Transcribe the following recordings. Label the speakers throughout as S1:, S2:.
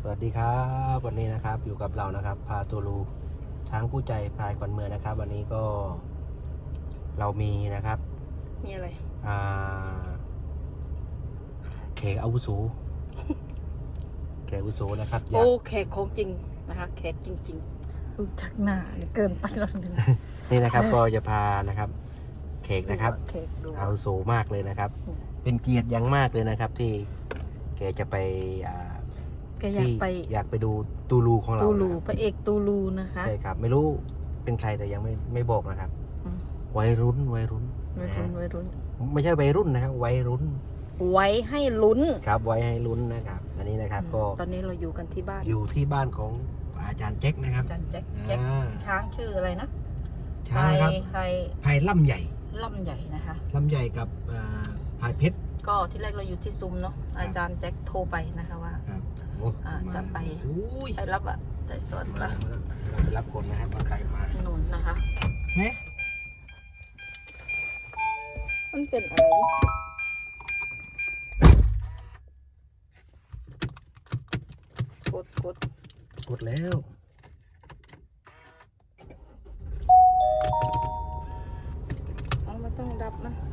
S1: สวัสดีครับวันนี้นะครับอยู่กับเรานะครับพาตัวลูช้างผู้ใจพลายขวัญเมืองนะครับวันนี้ก็เรามีนะครับ
S2: มีอะไร
S1: แขกอาวุโส แขกอาวุโสนะครับ
S2: โอ้แขกของจริงนะคะแขกจริงๆรู้จักหน้าเกินไปแล้วนึง
S1: นี่นะครับก็จะพานะครับแขกนะครับ
S2: แขกดู
S1: อาวุโสมากเลยนะครับเป็นเกียรติอย่างมากเลยนะครับที่แกจะไป
S2: แกอยากไป
S1: ดูตูลูของเรา
S2: ตูลูพระเอกตูลูนะคะ
S1: ใช่ครับไม่รู้เป็นใครแต่ยังไม่บอกนะครับวัยรุ่น
S2: วัยรุ่น
S1: ไม่ใช่วัยรุ่นนะครับวัยรุ่น
S2: ไว้ให้ลุ้น
S1: ครับไว้ให้ลุ้นนะครับอันนี้นะครับก็
S2: ตอนนี้เราอยู่กันที่บ้าน
S1: อยู่ที่บ้านของอาจารย์แจ็คนะครับ
S2: อาจารย์แจ็คช้างชื่ออะไรนะ
S1: ช้างครับพายล่ำใหญ่
S2: นะคะ
S1: ล่ำใหญ่กับพายเพชร
S2: ก็ที่แรกเราอยู่ที่ซุ้มเนาะอาจารย์แจ็คโทรไปนะคะว่าจะไปรับแต่สอนไป
S1: รับคนนะครับว่าใครมา
S2: หนุนนะคะ
S1: เนี่ย
S2: มันเป็นอะไร
S1: กดแล้ว
S2: ไม่ต้องดับมัน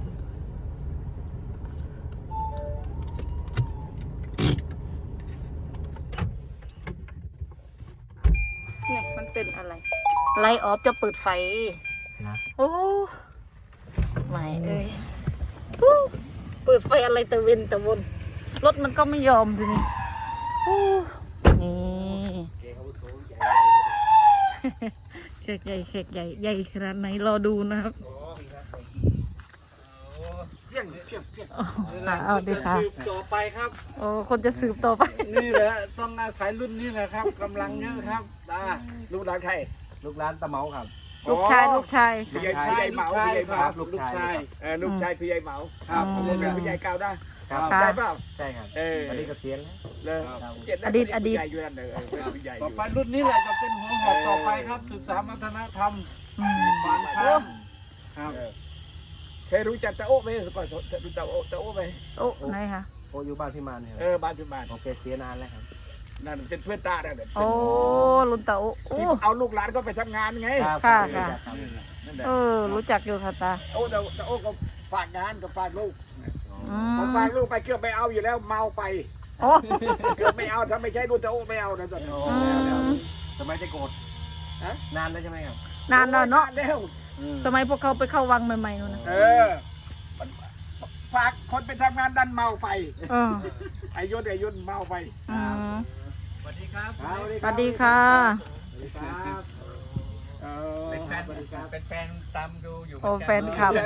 S2: เนี่ยมันเป็นอะไรไลท์ออฟจะเปิดไฟ
S1: นะ
S2: โอ้ไม่เอ้ยเปิดไฟอะไรตะเวนตะวนรถมันก็ไม่ยอมทีนี้นี่เค้กใหญ่ขนาดไหนรอดูนะครับเอาดีค่ะ
S3: ต่อไปครับ
S2: โอ้คนจะสืบต่อไป
S3: นี่แหละต้องอาศัยรุ่นนี้แหละครับกำลังเยอะครับลูกหลานใคร
S1: ลูกหลานตะเมาครับ
S2: ลูกชาย
S3: พี่ใหญ่เหมาครับลูกชายพี่ใหญ่เหมาครับเรียนเป็นพี่ใหญ่เก่าได้ใช่เปล่า
S1: ใช่ครับอันนี้ก็เสียน
S2: แล้วอดีต
S3: ต่อไปรุ่นนี้แหละจะเป็นหัวหอกต่อไปครับศึกษาวัฒนธรรมฝังช้างครับเคยรู้จักตะโอ้ไหมก่อนรู้จักตะโอ้ไหม
S2: โอ้ไหนคะ
S1: โอ้อยู่บ้านพี่มานเนี่ย
S3: บ้านพี่มาน
S1: โอเคเสียนานแล้วครับ
S3: นั่นเป็นเพื่อนตาเนี่ย
S2: โอ้ลุนตาโอ้
S3: เอาลูกหลานก็ไปทำงานไง
S2: ค่ะรู้จักอยู่ค่ะตา
S3: ตะโอ้ก็ฝากงานกับฝากลูกฝากลูกไปเกือบไม่เอาอยู่แล้วเมาไปเกือบไม่เอาถ้าไม่ใช่ลูกตะโอ้ไม่เอานะตอนนี้
S1: สมัยจะโกรธนานแล้วใช่ไหมครับ
S2: นานแล้วเนาะ
S3: แล้ว
S2: สมัยพวกเขาไปเข้าวังใหม่ๆนู่นนะ
S3: ฝากคนไปทำงานดันเมาไปไอ้ยุนเมาไปสวัสดีครับ
S2: สวัสดีค่ะ
S3: เป็นแฟนตามดูอยู่
S2: โอ้แฟนคลับ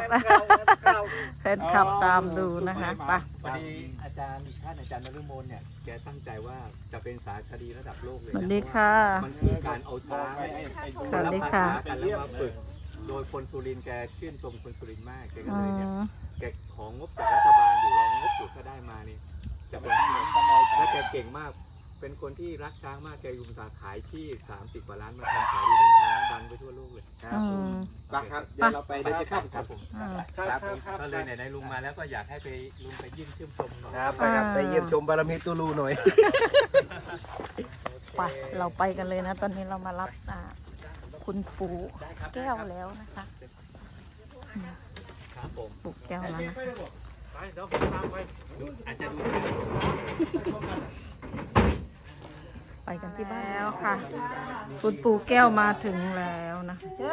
S2: ตามดูนะคะไป
S4: พอดีอาจารย์ท่านอาจารย์นฤมลเนี่ยแกตั้งใจว่าจะเป็นสารคดีระดับโลกเลย
S2: สวัสดีค่ะ
S4: มันคือการเอาช้าง
S2: สวัสดีค่ะ
S4: กันแล้วมาฝึกโดยคนสุรินทร์แกชื่นชมคนสุรินทร์มากแกก็เลยเนี่ยแกของงบจากรัฐบาลอยู่รองงบอยู่ก็ได้มานี่จะเป็นและแกเก่งมากเป็นคนที่รักช้างมากแกยุมสาขายที่30 กว่าล้านมาทำขายดีเรื่องช้างดังไปทั่วโลกเลย
S1: ครับครับเดี๋ยวเราไปดูจะข้าม
S4: ครับผมก็เลยไหนลุงมาแล้วก็อยากให้ไปลุงไปยื่นชื่นชม
S1: ครับไปเยี่ยมชมบารมีตูลูหน่อย
S2: ไปเราไปกันเลยนะตอนนี้เรามารับคุณปู่แก้วแล้วนะคะปู่แก้วแล้วนะไปกันที่บ้านแล้วค่ะคุณปู่แก้วมาถึงแล้วนะ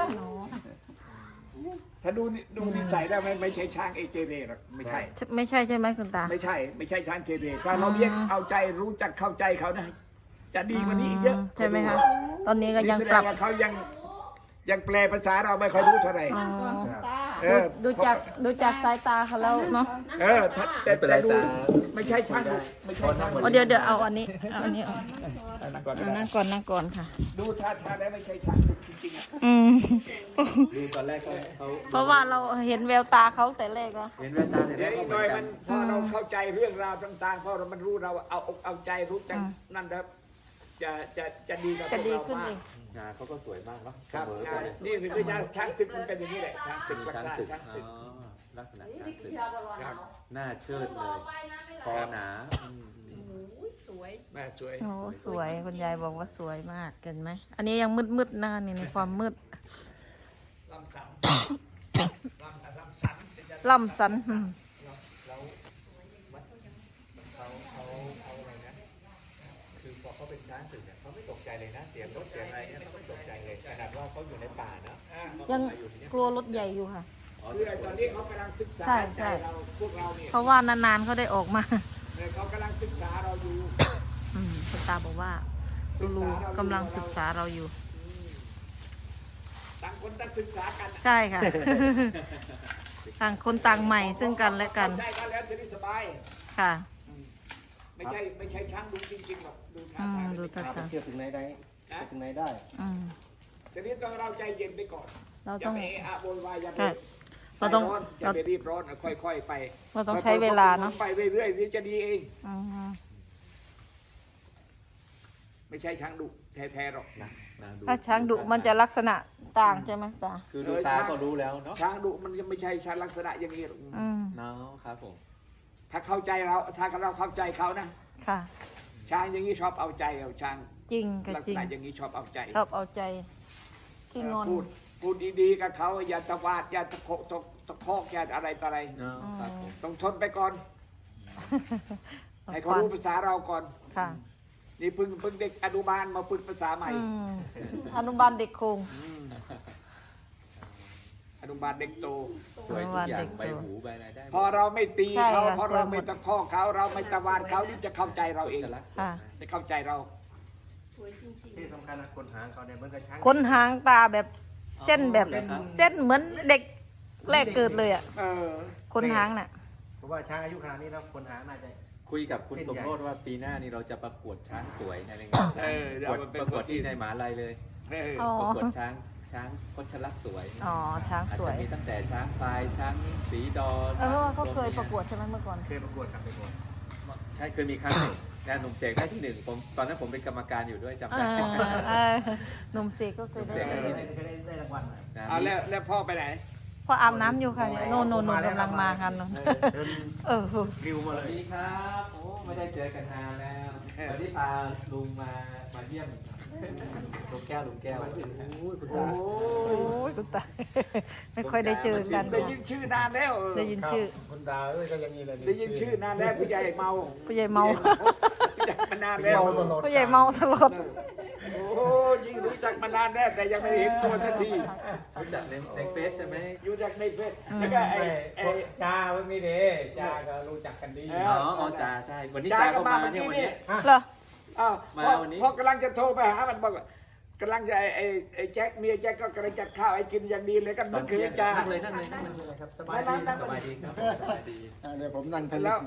S3: ถ้าดูนิสัยได้ไม่ใช่ช้างเกเรหรอกไม่ใช่
S2: ใช่ไหมคุณตา
S3: ไม่ใช่ช้างเกเรถ้าเราเลี้ยงเอาใจรู้จักเข้าใจเขาได้จะดีกว่านี้อีกเยอะ
S2: ใช่ไหมคะตอนนี้ก็ยังปรับ
S3: เขายังแปลภาษาเราไม่ค่อยรู้เท่าไหร่
S2: ดูจากสายตาเขาแล้วเนาะ
S3: แต่ดูไม่ใช่ช่างไม่ใช่ช่าง
S2: เดี๋ยวเอาอันนี้นั่งก่อนค่ะ
S3: ดูท่าได้ไม่ใช่ช่างจริง
S4: ดูตอนแรกเขา
S2: เพราะว่าเราเห็นแววตาเขาแต่แรกแล้ว
S4: เห็นแววตาแต่แรก
S3: หน่อยมันพอเราเข้าใจเรื่องราวต่างๆพอมันรู้เราเอาใจรู้จักนั่นครับจะดีกับเรา
S2: ขึ้นเอง
S4: งานเขาก็สวยมากเนาะ
S3: ครับนี่คือยาช้างศึกมันเป็นอย่างนี้แหละช้างศึกลักษณะช้างศึก
S4: ลักษณะช้างศึกหน้าเชิดเลยคอหนา
S3: แม่สวย
S2: โอ้สวยคุณยายบอกว่าสวยมากเห็นไหมอันนี้ยังมืดๆนะนี่ในความมืด
S3: ลำสัน
S2: ล่ำสันอืม
S4: เขาอะไรนะคือพอเขาเป็นช้างศึกเนี่ยเขาไม่ตกใจเลยนะเสียงรถเสียงอะไรเนี่ยเขาไม่ตกใจเลยขนาดว่าเขาอยู่ในป่านะ
S2: ยังกลัวรถใหญ่อยู่ค่ะ
S3: คือไอ้ตอนนี้เขากำลังศึกษา
S2: ใช่ใช่
S3: ใจเราพวกเราเนี่ย
S2: เพราะว่านานๆเขาได้ออกมา
S3: เนี่ยเขากำลังศึกษาเราอยู่
S2: คุณตาบอกว่าตูลูกำลังศึกษาเราอยู่
S3: ต่างคนต่างศึกษากัน
S2: ใช่ค่ะ ต่างคนต่างใหม่ซึ่งกันและกัน
S3: ได้กันแล้วจะได้สบาย
S2: ค่ะ
S3: ไม่ใช่ช้างดูจริงๆหรอกดูท่าทาง
S2: ดูท่า
S1: ไปเที่ยวถึงไหนได้ไปถึงไหนได้
S2: อืม
S3: ทีนี้ต้องเราใจเย็นไปก่อน
S2: เรา
S3: อย่า
S2: ต้อง
S3: ไปอะโวยวายอย่าไป
S2: ใช่เราต้อง
S3: อย่าไปรีบร้อนค่อยๆไป
S2: เราต้องใช้เวลาเนาะ
S3: ไปเรื่อยๆนี่จะดีเอง
S2: อืม
S3: ไม่ใช่ช้างดุแท้ๆหรอก
S4: นะดู
S2: ถ้าช้างดุมันจะลักษณะต่างใช่ไหมตา
S4: คือดูตาก็รู้แล้วเนาะ
S3: ช้างดุมันยังไม่ใช่ช้างลักษณะอย่างนี้หรอก
S2: อืม
S4: เนาะครับผม
S3: ถ้าเข้าใจเราถ้าเราเข้าใจเขานะ
S2: ค่ะ
S3: ช้างอย่างนี้ชอบเอาใจเอาช้าง
S2: จริงค่ะ
S3: ลัก
S2: จ
S3: ษ
S2: ริง
S3: ณะอย่างนี้ชอบเอาใจ
S2: ชอบเอาใจที่งอน
S3: พูดดีๆกับเขาอย่าตะวาดอย่าตะคอกอย่าอะไรต่ออะไร
S4: เนาะครับผม
S3: ต้องทนไปก่อน ให้เขารู้ภาษาเราก่อน
S2: ค่ะ
S3: นี่เพิ่งเด็กอนุบาลมาฝึกภาษาใหม่
S2: อืมอนุบาลเด็กโคง
S3: อนุบาลเด็กโต
S4: สวยทุกอย่างใบหูใบอะไรได้หมด
S3: พอเราไม่ตี
S2: ใช่
S3: เขา
S2: ค่ะ
S3: พอเรา
S2: สวยหมด
S3: ไม่ตะคอกเขาเราไม่ตะวาดเขานี่จะเข้าใจเราเอง
S4: จะรักษา
S2: ค่ะ
S3: จะเข้าใจเรา
S1: ที่สำคัญนะคนหางเขาเนี่ยเหมือนกับช้าง
S2: ขนหางตาแบบเส้นแบบเส้นเหมือนเด็กแรกเกิดเลยอ่ะ
S3: เออ
S2: ขนหางน่ะ
S1: เพราะว่าช้างอายุขนาดนี้แล้วคนหางน่าจะ
S4: คุยกับคุณสมโรธว่าปีหน้านี่เราจะประกวดช้างสวยในงานช้างประกวดที่ในมหาลัยเลย
S3: เออ
S2: อ๋อ
S4: ประกวดช้างคชลักษณ์สวย
S2: อ๋อช้าง
S4: อาจ
S2: สว
S4: จะ
S2: ย
S4: มีตั้งแต่ช้างพลายช้างสีดอ
S2: เออเพราะว่าเขาเคยประกวดใช่ไหมเมื่อก่อน
S1: เคยประกวดกับไปก่อน
S4: ใช่เคยมีครั้งหนึ่งงานหนุ่มเสกได้ที่หนึ่งผมตอนนั้นผมเป็นกรรมการอยู่ด้วยจำ
S2: เอ
S4: ได้
S2: หนุ่มเสกก็เคยได้
S1: เคยได้รางวัลหน่อย
S4: นะ
S3: เอาแล้วพ่อไปไหน
S2: พออาบน้ำอยู่ค่ะเนี่ยโน่นกำลังมากันเนอะ
S1: เดิน
S2: เออ
S1: ริว
S4: ส
S1: มา
S4: วั
S1: เล
S4: ส
S1: ย
S4: ดีครับโอ้ไม่ได้เจอกันนานแล้ววันนี้พาลุงมาเยี่ยมลุงแก้ว
S1: โอ้ยคุณ
S2: โอ้
S1: ตา
S2: ยคุณตาไม่ค่อยได้เจอกัน
S3: ได้ยินชื่อนานแล้ว
S2: ได้ยินชื่อ
S1: คุณตาเอ้ยก็ยังงี้เลย
S3: ได้ยินชื่อนานแล้วผู้ใหญ่เมา
S2: ผู้ใหญ่เมา
S3: ผู้ใหญ่มานานแล้ว
S2: ผู้ใหญ่เมาตลอด
S3: โอ้ยิ่งรู้จักมานานแล้วแต่ยังไม่เห็นตัวสักที
S4: รู้จักในเฟซใช่ไหม
S3: อยู่จากในเฟซแล้วก็ไอ้
S1: จ้าไม่มีเด้จ้าก็รู้จักกันดี
S4: อ๋อจ่าใช่วันนี้จ่าก็มาเนี่ยวันนี้
S2: เหรอ
S3: อ้าว
S4: มาวันนี้
S3: พอกำลังจะโทรไปหามันบอกว่ากำลังจะไอ้แจ็คเมียแจ็คก็กำลังจัดข้าวให้กินอย่างดีเลยกัน
S4: ตอ
S3: เมื่
S4: น
S3: อคื
S4: เที่ย
S3: น
S4: ง
S3: จ้า
S4: นั่งเลย
S1: ครับสบายดี
S4: สบายดีครับสบายดี
S1: เดี๋ยวผมนั่งทะเล
S3: แล้ว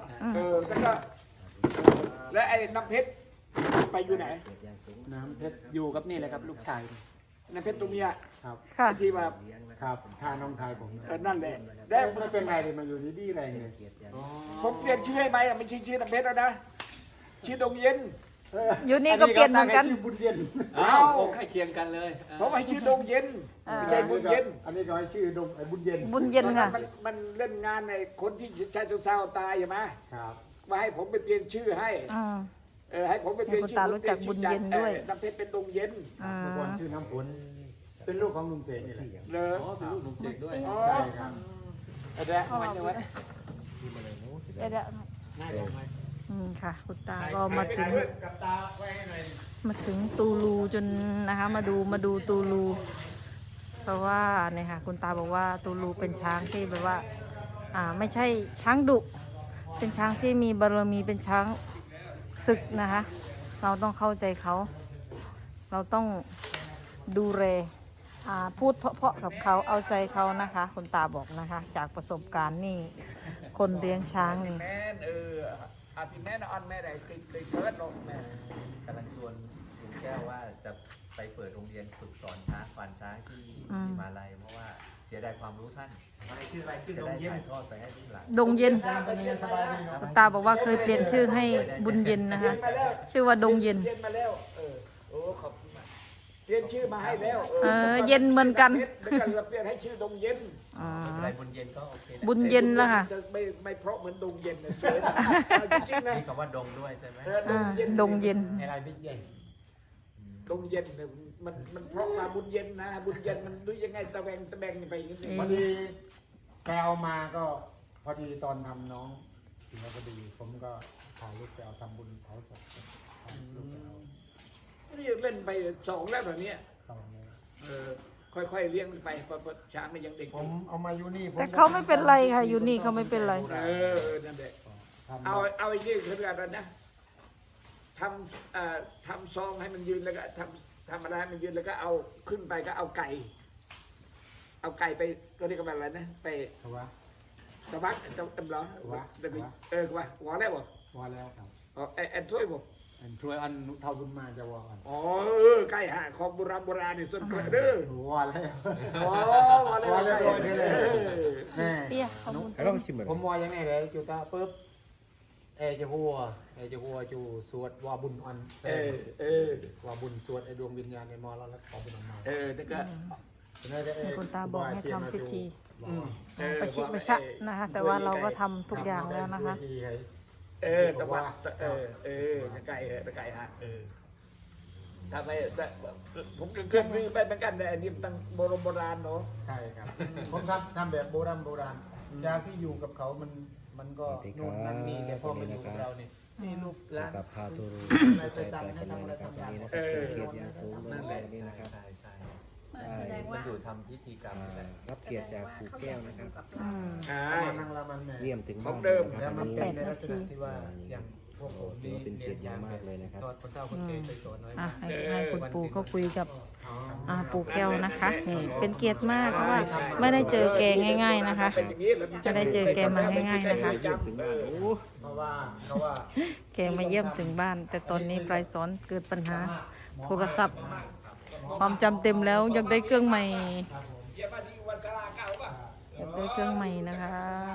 S3: แล้วไอ้น้ำเพชรไปอยู่ไหน
S1: น้ำเพชรอยู่กับนี่เลยครับลูกชาย
S3: น้ำเพชรตัวเมีย
S2: ค่ะ
S3: ที่ว่า
S1: ครับทาน้องชายผม
S3: นั่นแหละแล้ว
S1: ไม่เป็นไรเลยมาอยู่ดีๆอะไรเลย
S3: ผมเปลี่ยนชื่อให้ไหมไม่ใช่ชื่อน้ำเพชรแล้วนะชื่อดงเย็น
S2: อยู่นี่ก็เปลี่ยนเหมือนกัน
S1: ชื่อบุญเย็น
S4: อ้าวใกล้เคียงกันเลย
S3: ผมให้ชื่อดงเย็นไม่ใช่บุญเย็น
S1: อันนี้ก็ให้ชื่อดงบุญเย็น
S2: บุญเย็นค่ะ
S3: มันเล่นงานในคนที่ชายเศร้าตายใช่ไหม
S1: ครับ
S3: มาให้ผมไปเปลี่ยนชื่อให้
S2: อืม
S3: ให้ผมไปเปลี่ยนชื่
S2: ให้คุณตารู้จักบุญเย็นด้วย
S3: น้ำเพชรเป็นดงเย็น
S2: อืม
S1: เมื่อก่อนชื่อน้ำฝนเป็นลูกของลุงเสกนี่แหละ
S3: เลย
S4: อ๋อเป็นลูกหนุ่มเสกด้วย
S3: อ๋อ
S1: ใช่ครับ
S3: อะไรมันจะไว้
S2: เดี๋ยว
S1: น่าจะไหม
S2: ค่ะ คุณตาก็มาถึง
S1: กับตาไว้ให้หน่อย
S2: มาถึงตูลูจนนะคะ มาดูตูลู เพราะว่าเนี่ยค่ะ คุณตาบอกว่าตูลูเป็นช้างที่แบบว่า ไม่ใช่ช้างดุ เป็นช้างที่มีบารมีเป็นช้างศึกนะคะ เราต้องเข้าใจเขา เราต้องดูแลพูดเพราะๆกับเขาเอาใจเขานะคะ คุณตาบอกนะคะ จากประสบการณ์นี่คนเลี้ยงช้างนี่
S3: แม่นอาทิแม่นออนแม่ได้ติดเลยเกิดลงแม่
S4: กำลังชวนลุงแก้วว่าจะไปเปิดโรงเรียนฝึกสอนช้างควานช้างที่มาลัยเพราะว่าเสียดายความรู้ท่าน
S1: อะไรชื่ออะไรชื่อ
S4: จะ
S1: ด
S4: ได้
S1: งเย็น
S4: ถ่ายทอดไปให้ลูกหลาน
S2: ดงเย็น
S1: เป็นยังไงสบายดีเนาะ
S2: คุณตาบอกว่าเคยเปลี่ยนชื่อให้บุญเย็นนะคะ ชื่อว่าดงเย็น
S3: เย็นมาแล้วโอ้ขอบคุณมากเปลี่ยนชื่อมาให้แล้ว
S2: เย็นเหมือนกัน
S3: แล้วก็เปลี่ยนให้ชื่อดงเย็น
S2: อ๋อ
S1: อะไรบุญเย็นก็โอเคนะ
S2: บุญเย็นแล้วค่ะ
S3: จะไม่เพราะเหมือนดงเย็นนะสวยนะเอาจริงๆนะ
S1: มีคำว่าดงด้วยใช่ไหม
S3: ดงเย็น
S2: ดงเย็น
S1: อะไรบิ๊กเย็น
S3: ดงเย็นเนี่ยมันเพราะมาบุญเย็นนะ บุญเย็นมันดูยังไงตะแบงไปอย่างนี้
S5: พอดีแปลมาก็พอดีตอนทำน้องถึงพอดีผมก็ถ่ายรูปไปเอาทำบุญเผาศพถ่ายรูปไปเอา
S3: นี่เล่นไปสองแล้วแบบนี้
S5: เข้าเลย
S3: ค่อยๆเลี้ยงมันไปเพราะช้างมันยังเด็ก
S5: ผมเอามาอยู่นี่
S2: แต่เขาไม่เป็นไรค่ะ อยู่นี่เขาไม่เป็นไร
S3: นั่นแหละ
S5: ทำ
S3: เอาไอ้นี่คืออะไรนะทำซองให้มันยืนแล้วก็ทำอะไรให้มันยืนแล้วก็เอาขึ้นไปก็เอาไก่ไปก็เรียกว่าอะไรนะไป
S5: เอาวะ
S3: ตะวักตำล้อ
S5: วะ
S3: ว่าหัวแล้วบ่
S5: พอแล้วครับ
S3: แอนถ้วยบ่
S5: อันช่วยอันเท่าบุญมาจะวอกัน
S3: อ๋อไก่หาของโบราณนี่ส่วนเกิดเด้อ
S5: วอแล้ว
S3: อ๋อหัวแล้ว
S5: แม่
S2: เปี้ยเขาบุญ
S1: แล้วก็ชิมเหมือน
S5: ผมวอยังไงเลยจูตาปุ๊บเอจะหัวจูสวดวอบุญอันวอบุญสวดไอดวงวิญญาณในมอแล้วขอบุญออกมา
S3: นั่นก็
S2: คุณตาบอกให้ทำพิธีประชิดประชัดนะคะ แต่ว่าเราก็ทำทุกอย่างแล้วนะคะ
S3: ตะวักไก่ฮะถ้าไปผมก็เคยซื้อไปเหมือนกันแต่อันนี้ตั้งโบราณเนาะ
S5: ใช่ครับ ผมทำแบบโบราณจากที่อยู่กับเขามันก็นู่นนั่นนี่แต่พอมาอยู่กับเราเนี่ยนี่ลูกหลาน
S1: กับพาตูรู
S5: อะไรไปสั่งให้ทำอะไรทำงาน
S1: เกียรติอย่างสูงเลยวันนี้นะครับ
S4: ใช่ใช่มันอยู่ทำพิธีกรรมนี่แหละ
S1: รับเกียรติจากครูแก้วนะครับ
S2: อืม
S5: มานั่งละมันแม่
S1: เยี่ยมถึง
S3: ข
S1: บ้า
S3: อง
S1: น
S3: เดิม
S5: แล้วมัน
S1: วัน
S5: เป็น
S1: นี้
S5: ในลักษณะที่ว่าอย่างพวกผม
S1: ถือว่าเป็นเกียรติอย่างมากเลยนะครับ
S4: ตอนคนเฒ่าคนแก่เคยสอนไว้
S2: อ่ะให้คุณปู่เขาคุยกับปู่แก้วนะคะนี่เป็นเกียรติมากเพราะว่าไม่ได้เจอแกง่าย ๆนะคะ ไม่ได้เจอแกมาง่ายๆนะคะ
S1: ถึงบ้านโอ้
S5: เพราะว่า
S2: แกมาเยี่ยมถึงบ้าน แต่ตอนนี้ปลายสอนเกิดปัญหาโทรศัพท์ ความจำเต็มแล้วอยากได้เครื่องใหม่อยากได้เครื่องใหม่นะคะ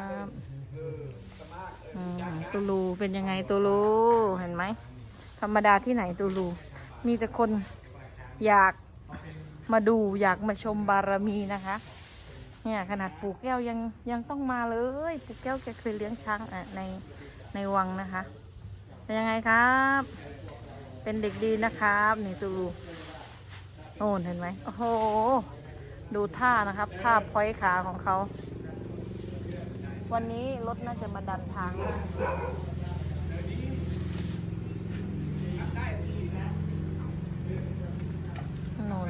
S2: ตูลูเป็นยังไงตูลูเห็นไหมธรรมดาที่ไหนตูลูมีแต่คนอยากมาดูอยากมาชมบารมีนะคะเนี่ยขนาดปู่แก้วยังต้องมาเลยปู่แก้วแกเคยเลี้ยงช้างในวังนะคะเป็นยังไงครับ เป็นเด็กดีนะครับนี่ตูลูโน่นเห็นไหมโอ้โหดูท่านะครับท่าพอยขาของเขาวันนี้รถน่าจะมาดันทางนะโน่น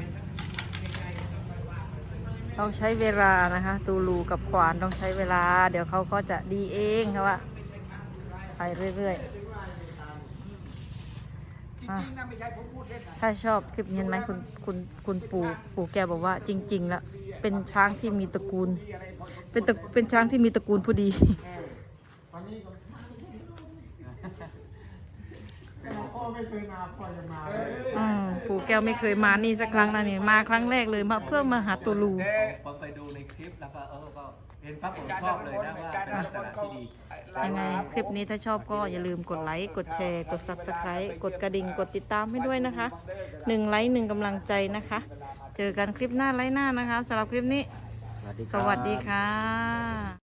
S2: ต้องใช้เวลานะคะตูลูกับขวานต้องใช้เวลา เดี๋ยวเขาก็จะดีเองค่ะว่าไปเรื่อยๆถ้าชอบคลิปนี้เห็นไหมคุณปู่แกบอกว่าจริงๆแล้วเป็นช้างที่มีตระกูล เป็นช้างที่มีตระกูลผู้ดี
S5: พ่อไม่เคยมาพ่อจะมา
S2: ปู่แก้วไม่เคยมานี่สักครั้งนะนี่มาครั้งแรกเลยมาเพื่อมาหาตูลู
S4: พอไปดูในคลิปแล้วก็ก็เห็นปั๊บผมชอบเลยนะว่าเป็นลักษณะที่ดี
S2: ยังไงคลิปนี้ถ้าชอบก็อย่าลืมกดไลค์กดแชร์กด Subscribe กดกระดิ่งกดติดตามให้ด้วยนะคะ1 ไลค์ 1 กำลังใจนะคะ เจอกันคลิปหน้าไลค์หน้านะคะสำหรับคลิปนี้ สวัสดีค่ะ